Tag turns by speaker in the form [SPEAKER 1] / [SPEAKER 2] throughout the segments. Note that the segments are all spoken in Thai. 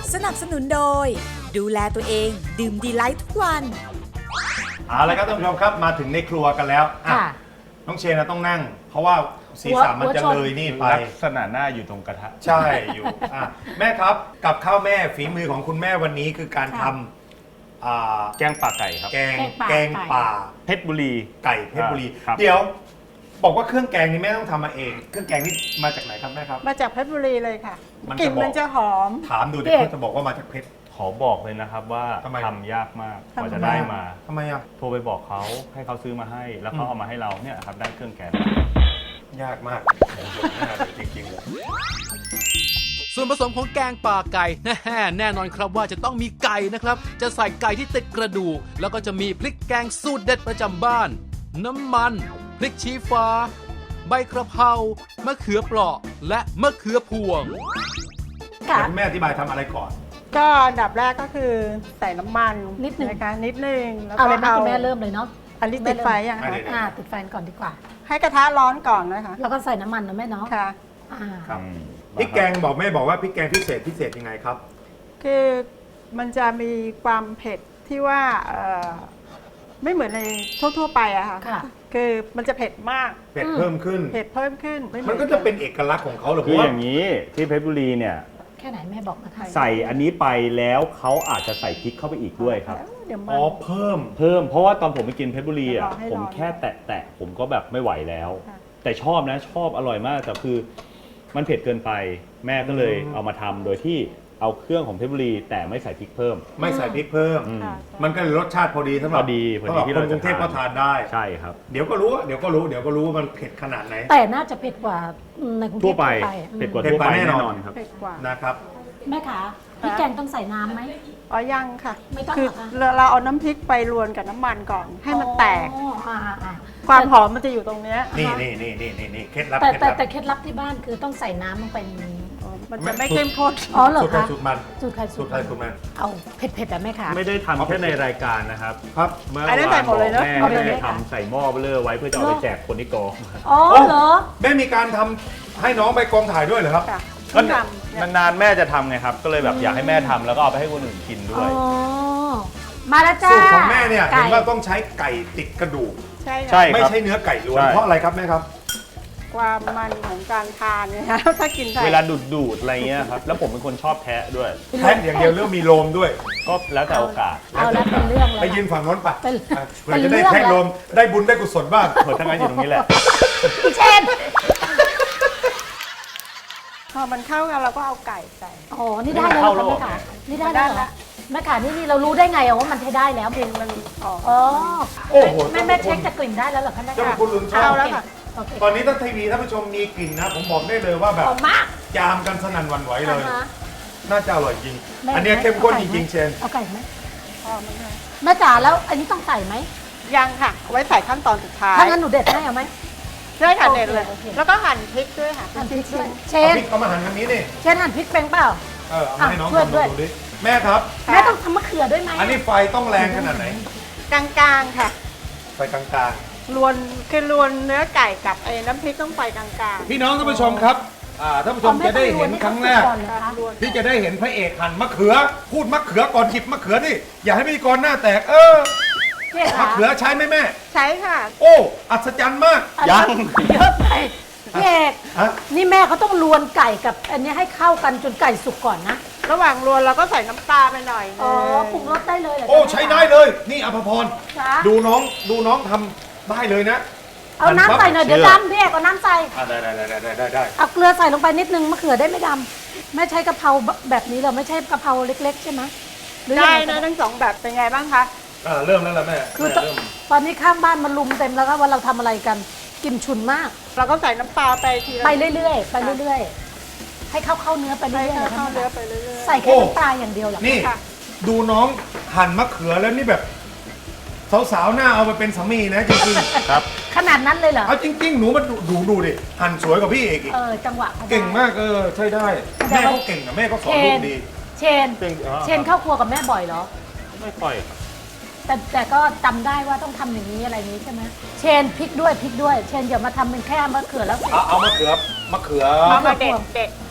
[SPEAKER 1] สนับสนุนโดยดูแลตัวเองดื่มดีไลท์ทุกวัน
[SPEAKER 2] เอาละครับท่านผู้ชมครับมาถึงในครัวกันแล้วน้องเชนต้องนั่ง เพราะว่าศีรษะมันจะเลยนี่ไป
[SPEAKER 3] ลักษณะหน้าอยู่ตรงกระทะ
[SPEAKER 2] ใช่อยู่แม่ครับกับข้าวแม่ฝีมือของคุณแม่วันนี้คือการทำ
[SPEAKER 3] แกงป่าไก่ครับ
[SPEAKER 2] แกงป่า
[SPEAKER 3] เพชรบุรี
[SPEAKER 2] ไก่เพชรบุรีเดี๋ยวบอกว่าเครื่องแกงนี่แม่ต้องทำมาเองเครื่องแกงนี่มาจากไหนครับแม่ครับ
[SPEAKER 4] มาจากเพชรบุรีเลยค่ะกลิ่นมันจะหอม
[SPEAKER 2] ถามดูเด็กจะบอกว่ามาจากเพชร
[SPEAKER 3] ขอบอกเลยนะครับว่าทำยากมากกว่าจะได้มา
[SPEAKER 2] ทำไมอ่ะ
[SPEAKER 3] โทรไปบอกเขาให้เขาซื้อมาให้แล้วเขาเอามาให้เราเนี่ยครับได้เครื่องแกง
[SPEAKER 2] ยากมากจริงๆเลย
[SPEAKER 5] ส่วนผสมของแกงป่าไก่แน่นอนครับว่าจะต้องมีไก่นะครับจะใส่ไก่ที่ติดกระดูกแล้วก็จะมีพริกแกงสูตรเด็ดประจำบ้านน้ำมันพริกชี้ฟ้าใบกระเพรามะเขือเปราะและมะเขือพวง
[SPEAKER 2] แม่อธิบายทำอะไรก่อน
[SPEAKER 4] ก็อันดับแรกก็คือใส่น้ำมัน
[SPEAKER 6] นิดนึง
[SPEAKER 4] นะคะนิดนึงแล้ว
[SPEAKER 6] ก็เอาคุณแม่เริ่มเลยเนาะ
[SPEAKER 4] อันนี้ติดไฟยังคะ
[SPEAKER 6] ติดไฟก่อนดีกว่า
[SPEAKER 4] ให้กระทะร้อนก่อนนะคะ
[SPEAKER 6] แล้วก็ใส่น้ำมันนะแม่เนาะ
[SPEAKER 4] ค่ะ
[SPEAKER 2] ครับพริกแกงบอกแม่บอกว่าพริกแกงพิเศษยังไงครับ
[SPEAKER 4] คือมันจะมีความเผ็ดที่ว่าไม่เหมือนในทั่วไปอะค่ะคือมันจะเผ็ดมาก
[SPEAKER 2] เผ็ดเพิ่มขึ้นมันก็จะเป็นเอกลักษณ์ของเขาหรือ
[SPEAKER 3] คืออย่างนี้ที่เพชรบุรีเนี่ย
[SPEAKER 6] แค่ไหนแม่บอกนะคะ
[SPEAKER 3] ใส่อันนี้ไปแล้วเขาอาจจะใส่พริกเข้าไปอีกด้วยครับ
[SPEAKER 2] อ๋อเพิ่ม
[SPEAKER 3] เพราะว่าตอนผมไปกินเพชรบุรีอ่ะผมแค่แตะผมก็แบบไม่ไหวแล้วแต่ชอบนะชอบอร่อยมากแต่คือมันเผ็ดเกินไปแม่ก็เลยเอามาทำโดยที่เอาเครื่องของเพชรบุรีแต่ไม่ใส่พริกเพิ่ม
[SPEAKER 2] ไม่ใส่พริกเพิ่มมันก็รสชาติพอดีสำหรับ
[SPEAKER 3] ที่
[SPEAKER 2] คนกรุงเทพก็ทานได้
[SPEAKER 3] ใช่ครับ
[SPEAKER 2] เดี๋ยวก็รู้ว่ามันเผ็ดขนาดไหน
[SPEAKER 6] แต่น่าจะเผ็ดกว่าในกรุงเทพ
[SPEAKER 3] ทั่วไปเผ็ดกว่าทั่วไปแน่นอนครับ
[SPEAKER 2] นะครับ
[SPEAKER 6] แม่ขาพริกแกงต้องใส่น้ำไหม
[SPEAKER 4] อ๋อยังค่ะ
[SPEAKER 6] ไม่ต้อง
[SPEAKER 4] คือเราเอาน้ำพริกไปรวนกับน้ำมันก่อนให้มันแตกความหอมมันจะอยู่ตรงนี้
[SPEAKER 2] นี่เคล็ดลับ
[SPEAKER 6] แต่เคล็ดลับที่บ้านคือต้องใส่น้ำลงไปในนี้
[SPEAKER 4] มันจะไม่เข้มข้น
[SPEAKER 6] อ๋อเหรอคะ
[SPEAKER 2] สูตรมัน
[SPEAKER 6] สูตรใครสูตรมันเอาเผ็ดๆแต่แม่ขา
[SPEAKER 3] ไม่ได้ทำแค่ในรายการนะครับ
[SPEAKER 4] เมื่อวานบอกแ
[SPEAKER 3] ม่ได้ทำใส่หม้อเบลอไว้เพื่อจะเอาไปแจกคนที่กอง
[SPEAKER 6] อ๋อเหรอ
[SPEAKER 2] แม่มีการทำให้น้องไปกองถ่ายด้วยเหรอครับ
[SPEAKER 3] ก็นานๆแม่จะทำไงครับก็เลยแบบอยากให้แม่ทำแล้วก็เอาไปให้คนอื่นกินด้วย
[SPEAKER 6] มาแล้วจ้า
[SPEAKER 2] สูตรของแม่เนี่ยเห็นว่าต้องใช้ไก่ติดกระดูก
[SPEAKER 4] ใช่
[SPEAKER 2] ไม่ใช่เนื้อไก่ล้วนเพราะอะไรครับแม่ครับ
[SPEAKER 4] ความมันของการทานเนี่ยครับถ้ากิน
[SPEAKER 3] เวลาดูดอะไรเงี้ยครับแล้วผมเป็นคนชอบแทะด้วย
[SPEAKER 2] แทะอย่างเดียวเรื่องมีโลมด้วย
[SPEAKER 3] ก็แล้วแต่โอกาส
[SPEAKER 6] เอาแล้วเป็นเรื่องเลย
[SPEAKER 2] ไปยืนฝั่งโน้นปะเพื่อจะได้แทะโลมได้บุญได้กุศลบ้าง
[SPEAKER 3] เผื่อทั้งนั้นอยู่ตรงนี้แหละ
[SPEAKER 6] พี่เช่น
[SPEAKER 4] พอมันเข้ากันเราก็เอาไก่ใส่
[SPEAKER 6] อ๋อนี่ได้แล้วแม่ขานี่ได้แล้วแม่ขานี่เรารู้ได้ไงว่ามันใช้ได้แล้ว
[SPEAKER 4] กลิ่นมัน
[SPEAKER 6] อ๋อแม่เช็คจากกลิ่นได้แล้วเหรอคะแม่ขา
[SPEAKER 2] คุณลุงชอบแล้วค่ะตอนนี้ท่านทีวีท่านผู้ชมมีกลิ่นนะผมบอกได้เลยว่าแบบยามกันสนั่นหวั่นไหวเลยน่าจะอร่อยจริงอันนี้เข้มข้นจริงๆเชน
[SPEAKER 6] เอาไก่ไหมแม่จ๋าแล้วอันนี้ต้องใส่ไหม
[SPEAKER 4] ยังค่ะไว้ใส่ขั้นตอนสุดท้าย
[SPEAKER 6] ถ้างั้นหนูเด็ดให้เอาไหม
[SPEAKER 4] ได้ค่ะเด็ดเลยแล้วก็หั่นพริกด้วยค่ะ
[SPEAKER 6] หั่นพริกด้วยเชน
[SPEAKER 2] เอามาหั่นทางนี้นี่
[SPEAKER 6] เชนหั่นพริกเป็นเปล่า
[SPEAKER 2] เอามาให้น้องทำดูดิแม่ครับ
[SPEAKER 6] แม่ต้องทำมะเขือด้วยไหม
[SPEAKER 2] อันนี้ไฟต้องแรงขนาดไหน
[SPEAKER 4] กลางๆค่ะ
[SPEAKER 2] ไฟกลาง
[SPEAKER 4] ๆรวนเนื้อไก่กับน้ำพริกต้องไฟกลาง
[SPEAKER 2] ๆพี่น้องท่านผู้ชมครับท่านผู้ชมจะได้เห็นครั้งแรกที่จะได้เห็นพระเอกหั่นมะเขือพูดมะเขือก่อนหยิบมะเขือนี่อย่าให้พิธีกรหน้าแตกมะเขือใช้ไหมแม่
[SPEAKER 4] ใช้ค่ะ
[SPEAKER 2] โอ้อัศจรรย์มาก
[SPEAKER 3] ยัง
[SPEAKER 6] เยอะไปพี่เอกนี่แม่เขาต้องรวนไก่กับอันนี้ให้เข้ากันจนไก่สุกก่อนนะ
[SPEAKER 4] ระหว่างรวนเราก็ใส่น้ำปลาไปหน่อย
[SPEAKER 6] อ๋อปรุงรสได้เลย
[SPEAKER 2] โอ้ใช้ได้เลยนี่อภพรดูน้องทำได้เลยนะ
[SPEAKER 6] เอาน้ำใส่หน่อยเดี๋ยวดำพี่เอกเอาน้ำใส่
[SPEAKER 2] ได้
[SPEAKER 6] เอาเกลือใส่ลงไปนิดนึงมะเขือได้ไม่ดำแม่ใช้กะเพราแบบนี้เหรอไม่ใช่กะเพราเล็กๆใช่ไหม
[SPEAKER 4] ได้นะทั้งสองแบบเป็นไงบ้างคะ
[SPEAKER 2] เริ่มแล้วล่ะแม่
[SPEAKER 6] คือตอนนี้ข้างบ้านมันลุมเต็มแล้วก็ว่าเราทำอะไรกันกลิ่นฉุนมาก
[SPEAKER 4] เราก็ใส่น้ำปลาไปที
[SPEAKER 6] ไปเรื่อยๆให้เข้าเนื้อไปเรื่อยๆ
[SPEAKER 4] เข้าเนื้อไปเรื่อย
[SPEAKER 6] ๆใส่แค่น้ำปลาอย่างเดียวหรอ
[SPEAKER 2] นี่ดูน้องหั่นมะเขือแล้วนี่แบบสาวๆหน้าเอาไปเป็นสามีนะจริง
[SPEAKER 3] ๆครับ
[SPEAKER 6] ขนาดนั้นเลยเหรอ
[SPEAKER 2] เอาจริงๆหนูมาดูดิหั่นสวยกว่าพี่เอกอีก
[SPEAKER 6] จังหวะ
[SPEAKER 2] เก่งมากใช่ได้แม่ก็เก่งนะแม่ก็สอนลูกดี
[SPEAKER 6] เชนเข้าครัวกับแม่บ่อยเหรอ
[SPEAKER 3] ไม่ค่อย
[SPEAKER 6] แต่ก็จำได้ว่าต้องทำอย่างนี้อะไรนี้ใช่ไหมเชนพริกด้วยเชนอย่ามาทำเป็นแค่มะเขือแล้ว
[SPEAKER 2] เอามะเขือ
[SPEAKER 4] มาเด็ด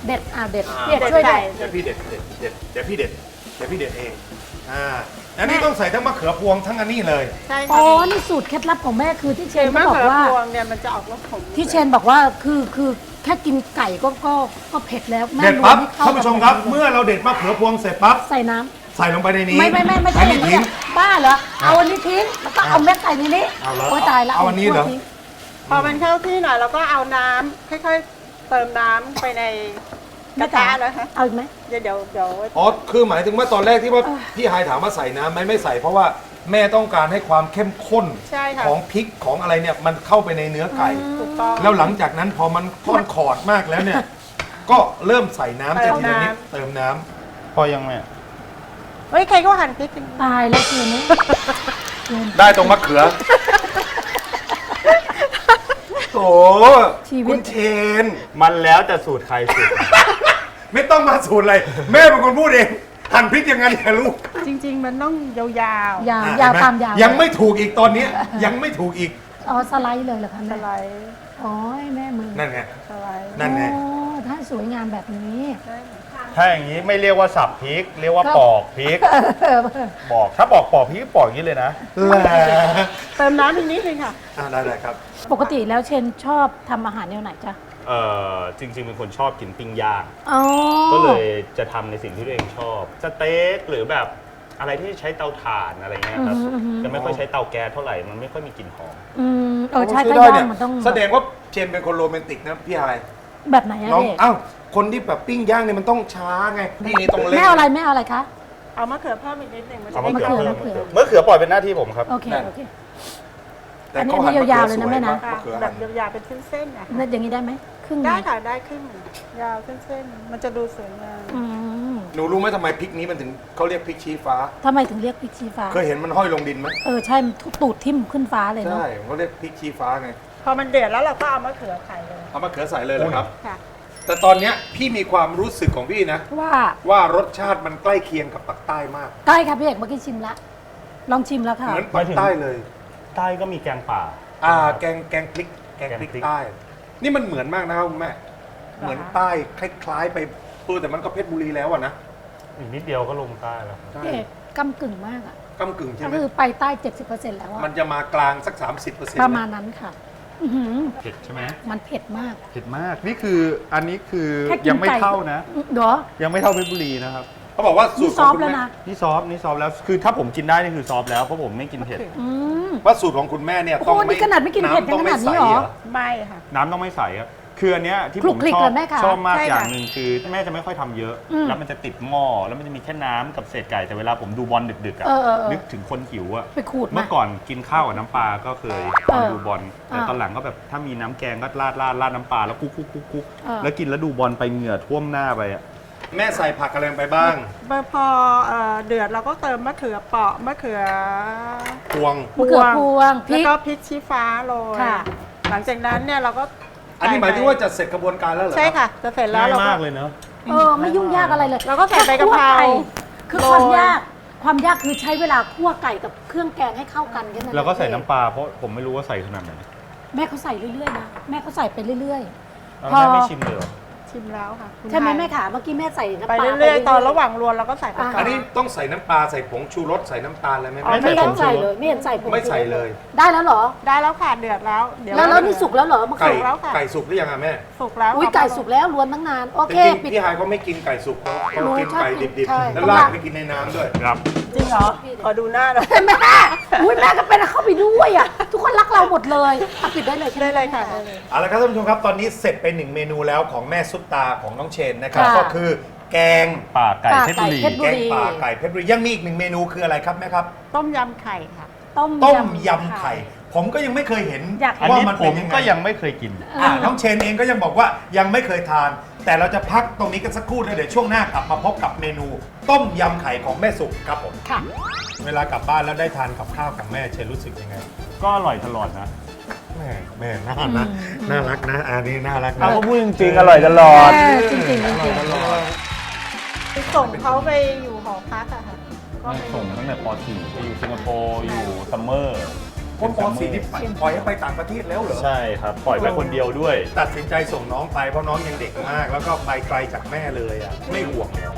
[SPEAKER 6] เด็ดเด็ดพี่เอกช่วยด้วย
[SPEAKER 2] เดี๋ยวพี่เด็ดเดี๋ยวพี่เด็ดเองอันนี้ต้องใส่ทั้งมะเขือพวงทั้งอันนี้เลย
[SPEAKER 4] ใช่
[SPEAKER 6] อ๋
[SPEAKER 4] ค่ะ
[SPEAKER 6] อนี่สูตรเคล็ดลับของแม่คือที่เช
[SPEAKER 4] เช
[SPEAKER 6] น
[SPEAKER 4] มะ
[SPEAKER 6] บอก
[SPEAKER 4] เขือ
[SPEAKER 6] ว่า
[SPEAKER 4] พวงเนี่ยมันจะออกรสขม
[SPEAKER 6] ที่เชนบอกว่าคือแค่กินไก่ก็เผ็ดแล้วแม่
[SPEAKER 2] เด็ด
[SPEAKER 6] รว
[SPEAKER 2] ปั๊บ
[SPEAKER 6] ให้เข้
[SPEAKER 2] ท่านผู้ชมครับ เมื่อเราเด็ดมะเขือพวงเสร็จปั๊บ
[SPEAKER 6] ใส่น้ำ
[SPEAKER 2] ใส่ลงไปในนี้
[SPEAKER 6] ไม่ใช่
[SPEAKER 2] อันนี้ทิ้ง
[SPEAKER 6] บ้าเหรอเอาอันนี้ทิ้งแล้วก็เอาเม็ดไก่ในนี้
[SPEAKER 2] เอาแล้ว
[SPEAKER 6] โอ้ยตายแล้ว
[SPEAKER 2] เอาอันนี้เหรอ
[SPEAKER 6] ทิ้ง
[SPEAKER 4] พอมันเข้าที่หน่อยเราก็เอาน้ำค่อยๆเติมน้ำไปในกระทะนะคะ
[SPEAKER 6] เอาอีกไหม
[SPEAKER 4] เดี๋ยว
[SPEAKER 2] อ๋อคือหมายถึงว่าตอนแรกที่ว่าพี่ไฮถามว่าใส่น้ำไหมไม่ใส่เพราะว่าแม่ต้องการให้ความเข้มข้น
[SPEAKER 4] ใช่ค่ะ
[SPEAKER 2] ของพริกของอะไรเนี่ยมันเข้าไปในเนื้อไก่
[SPEAKER 4] ถูกต้อง
[SPEAKER 2] แล้วหลังจากนั้นพอมันค่อนขอดมากแล้วเนี่ย ก็เริ่มใส่น้ำ
[SPEAKER 4] เติ
[SPEAKER 2] จะ
[SPEAKER 4] ม
[SPEAKER 2] ทีละนิด
[SPEAKER 4] น้ำ
[SPEAKER 2] เติมน้ำพอยังแม่
[SPEAKER 4] เฮ้ยใครก็หั่นพริกกัน
[SPEAKER 6] ตายแล้วคืนนี้
[SPEAKER 2] ได้ตรงมะเขือโอ้คุณเชน
[SPEAKER 3] มันแล้วแต่สูตรใครสูตร
[SPEAKER 2] ไม่ต้องมาสูตรอะไรแม่เป็นคนพูดเองหั่นพริกยังไงเนี่ยลูก
[SPEAKER 4] จริง ๆ มันต้องยาว
[SPEAKER 6] ยาว
[SPEAKER 2] อ่ะ
[SPEAKER 6] ยาว
[SPEAKER 2] เห็นไห
[SPEAKER 6] ตามยาว
[SPEAKER 2] ยังไม่ถูกอีกตอนนี้ยังไม่ถูกอีก
[SPEAKER 6] อ๋อสไลด์เลยเหรอคะ
[SPEAKER 4] ๆส
[SPEAKER 6] แม่
[SPEAKER 4] ไลด์
[SPEAKER 6] อ๋อให้แม่มือ
[SPEAKER 2] นั่นไง
[SPEAKER 4] สไลด์
[SPEAKER 2] นั่นไง
[SPEAKER 6] อ๋อถ้าสวยงามแบบนี้
[SPEAKER 3] ถ้าอย่างนี้ไม่เรียกว่าสับพริก เรียกว่าปอกพริก บอกถ้าปอกพริกปอกอย่างนี้เลยนะ
[SPEAKER 2] แหละ
[SPEAKER 4] เติมน้ำอีกนิดนึงค่ะ
[SPEAKER 2] ได้ครับ
[SPEAKER 6] ปกติแล้วเชนชอบทำอาหารแนวไหนจ๊ะ
[SPEAKER 3] จริงๆเป็นคนชอบกินปิ้งย่าง
[SPEAKER 6] อ๋อ
[SPEAKER 3] ก็เลยจะทำในสิ่งที่ตัวเองชอบสเต็กหรือแบบอะไรที่ใช้เตาถ่านอะไรเงี้ยครับจะไม่ค่อยใช้เตาแก๊สเท่าไหร่มันไม่ค่อยมีกลิ่นหอม
[SPEAKER 6] ใช่
[SPEAKER 2] โอ้
[SPEAKER 6] ก็
[SPEAKER 2] ใช้ได้
[SPEAKER 6] ย่า
[SPEAKER 2] เนี่
[SPEAKER 6] งมันต้อง
[SPEAKER 2] แสดงว่าเจนเป็นคนโรแมนติกนะพี่ไฮ
[SPEAKER 6] แบบไหนอะ
[SPEAKER 2] น้อง
[SPEAKER 6] เด็ก
[SPEAKER 2] เอ้าคนที่แบบปิ้งย่างเนี่ยมันต้องช้าไงพี่นี่ต้องเล่น
[SPEAKER 6] แม่เอาอะไรคะ
[SPEAKER 4] เอามะเขือเพิ่มอีกนิดนึงมันจะ
[SPEAKER 3] เอา
[SPEAKER 4] ได้
[SPEAKER 3] มะเขือ
[SPEAKER 6] มะ
[SPEAKER 3] เพิ่ม
[SPEAKER 6] เขือ
[SPEAKER 3] มะเขือปล่อยเป็นหน้าที่ผมครับ
[SPEAKER 6] โอเคโอเค
[SPEAKER 2] แต่
[SPEAKER 6] อันนี้
[SPEAKER 2] เขาหั่
[SPEAKER 6] ยาวๆเลยนะแม่นะ
[SPEAKER 2] มะเขือ
[SPEAKER 4] แบ
[SPEAKER 2] หั่
[SPEAKER 4] บ
[SPEAKER 2] น
[SPEAKER 4] ยาวๆเป็นเส้นๆนะคะ
[SPEAKER 6] แล้วอย่างนี้ได้ไหมครึ่งหนึ่ง
[SPEAKER 4] ได้ค่ะได้ครึ่งยาวเส้นๆมันจะดูสวยงาม
[SPEAKER 6] อืม
[SPEAKER 2] หนูรู้ไหมทำไมพริกนี้มันถึงเขาเรียกพริกชี้ฟ้า
[SPEAKER 6] ทำไมถึงเรียกพริกชี้ฟ้า
[SPEAKER 2] เคยเห็นมันห้อยลงดินไหม
[SPEAKER 6] ใช่มันตูดทิ่มขึ้นฟ้าเลยเนาะ
[SPEAKER 2] ใช่เขาเรียกพริกชี้ฟ้าไง
[SPEAKER 4] พอมันเดือดแล้วเราก็เอามะเขือไข่เลย
[SPEAKER 2] เอามะเขือใส่เลยเหรอครับ
[SPEAKER 4] ค่ะ
[SPEAKER 2] แต่ตอนเนี้ยพี่มีความรู้สึกของพี่นะ
[SPEAKER 6] ว่า
[SPEAKER 2] รสชาติมันใกล้เคียงกับปักใต้มาก
[SPEAKER 6] ใกล้ค่ะพี่เอกเมื่อกี้ชิมละลองชิมแล้วค่ะ
[SPEAKER 2] เหมือนปักใต้เลย
[SPEAKER 3] ใต้ก็มีแกงป่า
[SPEAKER 2] แกงพริกใต้ นี่มันเหมือนมากนะครับคุณแม่ เหมือนใต้คล้ายๆไปแต่มันก็เพชรบุรีแล้วอะนะ
[SPEAKER 3] อีกนิดเดียวก็ลงใต้แล้ว
[SPEAKER 2] ใช่
[SPEAKER 6] พี่เอกกำกึ่งมากอ่ะ
[SPEAKER 2] กำกึ่งใช่
[SPEAKER 6] ก็
[SPEAKER 2] ไหม
[SPEAKER 6] คือไปใต้ 70%แล้วอะ
[SPEAKER 2] มันจะมากลางสัก 30%
[SPEAKER 6] ประมาณนั้นค่ะ อื้อหือ
[SPEAKER 3] เผ็ดใช่ไหม
[SPEAKER 6] มันเผ็ดมาก
[SPEAKER 3] เผ็ดมากนี่คืออันนี้คือ
[SPEAKER 6] แค่กิน
[SPEAKER 3] ยังไม่
[SPEAKER 6] ไก่
[SPEAKER 3] เท่านะ
[SPEAKER 6] เดี๋ยว
[SPEAKER 3] ยังไม่เท่าเพชรบุรีนะครับ
[SPEAKER 2] เขาบอกว่าสู
[SPEAKER 6] นี่
[SPEAKER 2] ตร
[SPEAKER 6] ซ
[SPEAKER 2] ข
[SPEAKER 6] อ
[SPEAKER 2] อง
[SPEAKER 6] ฟต์
[SPEAKER 2] คุณ
[SPEAKER 6] แล้ว
[SPEAKER 2] แม่
[SPEAKER 6] นะ
[SPEAKER 3] นี่ซอฟแล้วคือถ้าผมกินได้นี่คือซอฟแล้วเพราะผมไม่กินเผ็ด
[SPEAKER 6] อืม
[SPEAKER 2] ว่าสูตรของคุณแม่เนี่ย
[SPEAKER 6] โอ้
[SPEAKER 2] ต้อง
[SPEAKER 6] โหนี่ขนาดไม่กินเผ็ด
[SPEAKER 2] ำต้อง
[SPEAKER 6] ขนาดนี้
[SPEAKER 2] ใส
[SPEAKER 6] เหรอ
[SPEAKER 4] ไม่ค่ะ
[SPEAKER 3] น้ำต้องไม่ใสครับคืออันเนี้ยที่
[SPEAKER 6] คลุ
[SPEAKER 3] ผ
[SPEAKER 6] ก
[SPEAKER 3] ม
[SPEAKER 6] คลิก
[SPEAKER 3] ชอ
[SPEAKER 6] เล
[SPEAKER 3] บ
[SPEAKER 6] ยแม่คะ
[SPEAKER 3] ชอบมาก
[SPEAKER 4] ใช่
[SPEAKER 3] อย่าง
[SPEAKER 4] ค่ะ
[SPEAKER 3] หนึ่งคือแม่จะไม่ค่อยทำเยอะ
[SPEAKER 6] อืม
[SPEAKER 3] แล้วมันจะติดหม้อแล้วมันจะมีแค่น้ำกับเศษไก่แต่เวลาผมดูบอลดึกๆอ่ะ
[SPEAKER 6] เออ
[SPEAKER 3] นึกถึงคนหิวอ่ะ
[SPEAKER 6] ไปขูด
[SPEAKER 3] เมื่
[SPEAKER 6] มา
[SPEAKER 3] อก่อนกินข้าวกับน้ำปลาก็เคยตอน
[SPEAKER 6] เออ
[SPEAKER 3] ดูบอลแต่
[SPEAKER 6] อ่า
[SPEAKER 3] ตอนหลังก็แบบถ้ามีน้ำแกงก็ราดน้ำปลาแล้วคุก
[SPEAKER 6] เออ
[SPEAKER 3] แล้วกินแล้วดูบอลไปเหงื่อท่วมหน้าไปอ่ะ
[SPEAKER 2] แม่ใส่ผักอะไรลงไปบ้าง
[SPEAKER 4] พอเดือดเราก็เติมมะเขือเปราะมะเขือ
[SPEAKER 2] พวง
[SPEAKER 6] มะเขือพวงพ
[SPEAKER 4] แล้ว
[SPEAKER 6] ริก
[SPEAKER 4] ก็พริกชี้ฟ้าโรย
[SPEAKER 6] ค่ะ
[SPEAKER 4] หลังจากนั้นเนี่ยเราก็
[SPEAKER 2] อันนี้หมายถึงว่าจะเสร็จกระบวนการแล้วเหรอ
[SPEAKER 4] ใช่
[SPEAKER 2] ครับ
[SPEAKER 4] ค่ะ จะเสร็จแล้ว
[SPEAKER 3] ง่าย
[SPEAKER 4] เราก็
[SPEAKER 3] มากเลยเนาะ
[SPEAKER 6] ไม่ยุ่งยากอะไรเลย
[SPEAKER 4] เราก็ใส่ใบกะเพรา
[SPEAKER 6] แค่คั่วไคือ
[SPEAKER 4] โรย
[SPEAKER 6] ความยากคือใช้เวลาคั่วไก่กับเครื่องแกงให้เข้ากันแค่นั้น
[SPEAKER 3] แล้วก็ใส่น้ำปลาเพราะผมไม่รู้ว่าใส่ขนาดไหน
[SPEAKER 6] แม่เขาใส่เรื่อยๆนะแม่เขาใส่ไปเรื่อย
[SPEAKER 3] เอา
[SPEAKER 6] พอ
[SPEAKER 3] แม่ไม่ชิมเลยเหรอ
[SPEAKER 4] ชิมแล้วค่ะคุณ
[SPEAKER 6] ๆ ใช่ไหม
[SPEAKER 4] ทย
[SPEAKER 6] แม่ขาเมื่อกี้แม่ใส่น้ำ
[SPEAKER 4] ไป
[SPEAKER 6] ปลา
[SPEAKER 4] เรื่อยๆตอนระหว่างรวนเราก็ใส่ไปก่อ
[SPEAKER 2] อัน
[SPEAKER 4] น
[SPEAKER 2] นี้ต้องใส่น้ำปลาใส่ผงชูรสใส่น้ำตาลอะไรไหม
[SPEAKER 4] อ๋อ
[SPEAKER 2] แม่
[SPEAKER 6] ไม่ต้องใส่เลยไม่เห็นใส่ผง
[SPEAKER 2] ไม่ใส่เลย
[SPEAKER 6] ได้แล้วเหรอ
[SPEAKER 4] ได้แล้วค่ะเดือดแล้วเดี๋ยว
[SPEAKER 6] แล้วนี่สุกแล้วเหรอมะ
[SPEAKER 2] ไก่
[SPEAKER 6] เขือ
[SPEAKER 4] แล้วค่ะ
[SPEAKER 2] ไก่สุกหรือยังอะแม่
[SPEAKER 4] สุกแล้ว
[SPEAKER 6] อุ้ยไก่สุกแล้วรวนตั้งนานโอ
[SPEAKER 2] จ
[SPEAKER 6] เค
[SPEAKER 2] ริง
[SPEAKER 6] ปิด
[SPEAKER 2] ๆพี่ไฮเขาไม่กินไก่สุกเขากินไก่ดิบ
[SPEAKER 6] ใช่
[SPEAKER 2] ๆแล้วราดไปกินในน้ำด้วย
[SPEAKER 3] ครับ
[SPEAKER 4] จริงเหรอขอดูหน้าหน่อย
[SPEAKER 6] แม่อุ้ยแม่ก็เป็นเข้าไปด้วยอ่ะทุกคนรักเราหมดเลยอ่ะปิดได้เลยใช่ไหม
[SPEAKER 4] ได้เลยค่ะได้เลย
[SPEAKER 2] เอาละครับท่านผู้ชมครับตอนนี้เสร็จไปหนึ่งเมนูแล้วของแม่ซุปตาของน้องเชนนะครับ
[SPEAKER 6] ค่ะ
[SPEAKER 2] ก็คือแกง
[SPEAKER 3] ป่าไก่เพชรบุรี
[SPEAKER 6] ป่าไก่เพชรบุ
[SPEAKER 2] แก
[SPEAKER 6] รี
[SPEAKER 2] งป่าไก่เพชรบุรียังมีอีกหนึ่งเมนูคืออะไรครับแม่ครับ
[SPEAKER 4] ต้มยำไข่ค่ะ
[SPEAKER 2] ต้มยำไข่ ผมก็ยังไม่เคยเห็น
[SPEAKER 6] อยากเห็
[SPEAKER 3] อัน
[SPEAKER 2] ว่า
[SPEAKER 3] นี้
[SPEAKER 2] มัน
[SPEAKER 3] ผ
[SPEAKER 2] เป็น
[SPEAKER 3] ม
[SPEAKER 2] ยังไง
[SPEAKER 3] ก็ยังไม่เคยกิน
[SPEAKER 2] น้องเชนเองก็ยังบอกว่ายังไม่เคยทาน แต่เราจะพักตรงนี้กันสักครู่แล้วเดี๋ยวช่วงหน้ากลับมาพบกับเมนู ต้มยำไข่ของแม่สุกครับผม
[SPEAKER 6] ค่ะ
[SPEAKER 2] เวลากลับบ้านแล้วได้ทานกับข้าวของแม่เชนรู้สึกยังไง
[SPEAKER 3] ก็อร่อยตลอดนะ
[SPEAKER 2] แม่น่ารักน่ารักนะอันนี้น่ารัก
[SPEAKER 3] เรา
[SPEAKER 2] นะ
[SPEAKER 3] ก็พูดจริงๆ อร่อยตลอด
[SPEAKER 6] จริงๆจริงๆ
[SPEAKER 4] ส่งเขาไปอยู่หอพักอะค่ะก็ไป
[SPEAKER 3] ส่งตั้งแต่ป .4 ไปอยู่สิงคโปร์อยู่ซัมเมอร์
[SPEAKER 2] คนป .4 นี่ปล่อยให้ไปต่างประเทศแล้วเหรอ
[SPEAKER 3] ใช่ครับปล่อยไปคนเดียวด้วย
[SPEAKER 2] ตัดสินใจส่งน้องไปเพราะน้องยังเด็กมาก แล้วก็ไปไกลจากแม่เลยอ่ะไม่ห่วงเหรอ